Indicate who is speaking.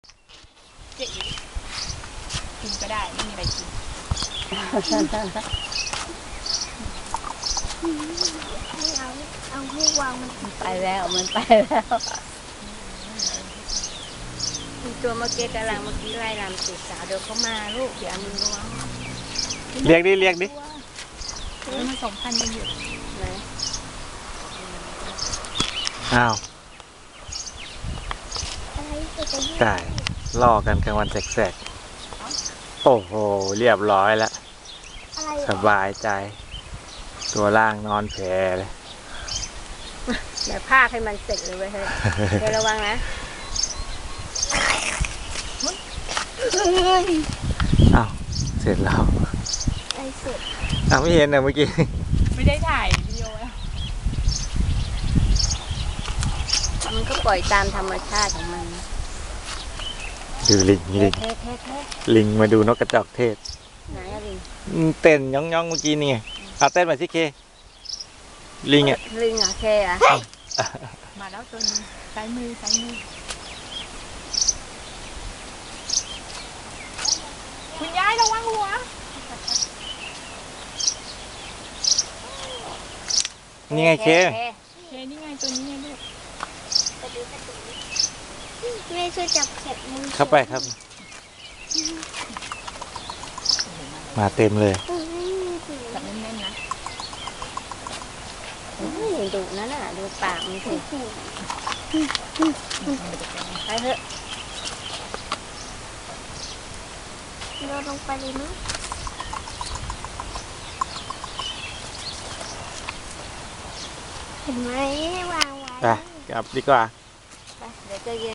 Speaker 1: เจ๊กินก็ได้ไม่มีอะไรกิน
Speaker 2: ไม่เอาให้วางมัน
Speaker 3: ไปแล้วมันไปแล้วมีตัวเมื่อกี้กำลังเมื่อกี้ไล่ลำติดสาวเดี๋ยวเขามาลูกเดี๋ยวมือล้วง
Speaker 4: เรียกดิเรียกดิ
Speaker 1: แล้วมัน2,000ยังอยู่
Speaker 3: ไหน
Speaker 4: อ้าว
Speaker 2: อะไรจะยืด
Speaker 4: ไก่ล่อกันกลางวันแสกๆโอ้โหเรียบร้อยแล้ว
Speaker 2: อะไร
Speaker 4: สบายใจ ตัวล่างนอนแผลเลย
Speaker 3: เดี๋ยวพากให้มันเสร็จเลยเว้ยเฮ้ยเดี๋ยวระวังนะ
Speaker 4: อ้าวเสร็จแล้ว
Speaker 2: ไอ้สุด
Speaker 4: อ้าวไม่เห็นนะเมื่อกี้
Speaker 1: ไม่ได้ถ่ายวิดีโอแล้ว
Speaker 3: มันก็ปล่อยตามธรรมชาติของมัน
Speaker 4: ดูลิงลิง
Speaker 3: เท่เท่เท่
Speaker 4: ลิงมาดูนกกระจอกเทศ
Speaker 3: ไหนอะลิง
Speaker 4: เต้นย่องๆเมื่อกี้นี่ไงเอาเต้นมาสิเคลิงอ่ะ
Speaker 3: ลิงเหรอเคอะ
Speaker 1: มาแล้วตัวนึงซ้ายมือคุณยายระวังหัว
Speaker 4: นี่ไงเค
Speaker 1: เคนี่ไงตัวนี้ไงลูก
Speaker 2: แม่ช่วยจับเข็บมือ
Speaker 4: เข้าไปครับ มาเต็มเลย
Speaker 1: จับแน่นๆนะ
Speaker 3: ดุนั่นน่ะดูปากมันสิไปเถอะ
Speaker 2: เราลงไปเลยมั้งเห็นไหมวางไว้
Speaker 4: ไปกลับดีกว่า
Speaker 3: ไปเดี๋ยวจะเย็น